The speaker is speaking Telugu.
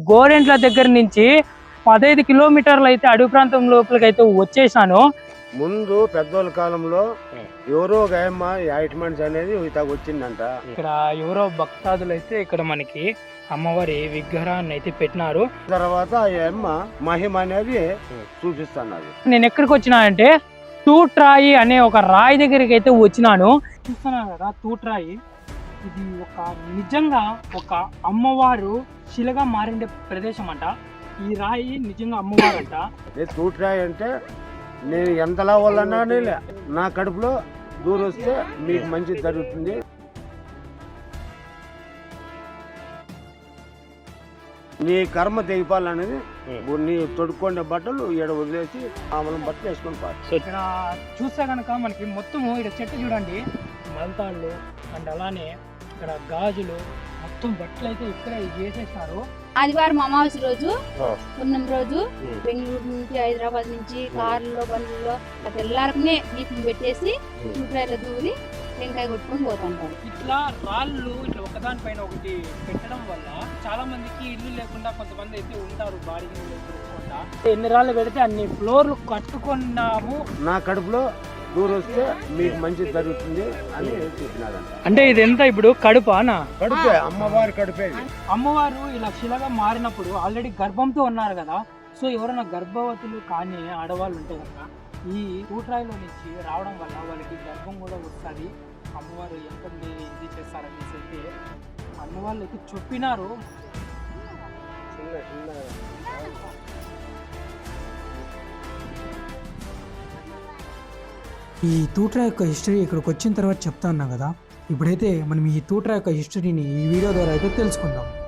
గోరెంట్ల దగ్గర నుంచి 15 కిలోమీటర్లు అయితే అడవి ప్రాంతం లోపలికి అయితే వచ్చేసాను. ముందు పెద్దోళ్ళ కాలంలో ఎవరో గాయమ్మ యాయిట్మెంట్స్ అనేది వచ్చిందంట. ఇక్కడ ఎవరో భక్తాదులు అయితే ఇక్కడ మనకి అమ్మవారి విగ్రహాన్ని అయితే పెట్టినారు. తర్వాత ఆ అమ్మ మహిమ అనేది చూపిస్తున్నది. నేను ఎక్కడికి వచ్చినా అంటే తూట్రాయి అనే ఒక రాయి దగ్గరికి అయితే వచ్చినాను. చూస్తున్నాను కదా తూట్రాయి, ఇది ఒక నిజంగా ఒక అమ్మవారు శిలగా మారిండే ప్రదేశం అంట. ఈ రాయి నిజంగా అమ్మవారు అంట. తూట్రాయి అంటే నేను ఎంతలా వాళ్ళన్నా నా కడుపులో దూరం వస్తే మీకు మంచి జరుగుతుంది. నీ కర్మ తెగిపాలనేది నీ తొడుక్కొండే బట్టలు ఈడ వదిలేసి ఆమెను బట్టలు వేసుకొని పారు. ఇక్కడ చూస్తే కనుక మనకి మొత్తము ఇక్కడ చెట్టు చూడండి, మలతాళ్ళు అండ్ అలానే ఇక్కడ గాజులు మొత్తం బట్టలు అయితే ఇక్కడ వేసేసినారు. ఆదివారం అమావాస్య రోజు పున్నం రోజు బెంగళూరు నుంచి హైదరాబాద్ నుంచి కార్లలో బండ్లలో తెల్లారకునే దీపం పెట్టేసి చూట్రాయిలో దూరి టెంకాయ కొట్టుకొని పోతుంటారు. ఇట్లా రాళ్ళు ఇట్లా ఒకదానిపైన ఒకటి పెట్టడం వల్ల చాలా మందికి ఇల్లు లేకుండా కొంతమంది అయితే ఉంటారు బాడీకి లేకుండా. ఎన్ని రాళ్ళు పెడితే అన్ని ఫ్లోర్లు కట్టుకున్నాము. నా కడుపులో దూరం వస్తే మీకు మంచి జరుగుతుంది అని చెప్పినారంట. అంటే ఇది ఎంత ఇప్పుడు కడుపానా? కడుపే, అమ్మవారి కడుపే. అమ్మవారు ఇలా శిలగా మారినప్పుడు ఆల్రెడీ గర్భంతో ఉన్నారు కదా, సో ఎవరైనా గర్భవతులు కానీ ఆడవాళ్ళు ఉంటే కనుక ఈ తూట్రాయిలో నుంచి రావడం వల్ల వాళ్ళకి గర్భం కూడా వస్తుంది. అమ్మవారు ఎంత ఇది చేస్తారనేసి అయితే అమ్మవాళ్ళు అయితే చెప్పినారు. ఈ తూట్రా యొక్క హిస్టరీ ఇక్కడికి వచ్చిన తర్వాత చెప్తా ఉన్నా కదా, ఇప్పుడైతే మనం ఈ తూట్రా యొక్క హిస్టరీని ఈ వీడియో ద్వారా అయితే తెలుసుకుందాం.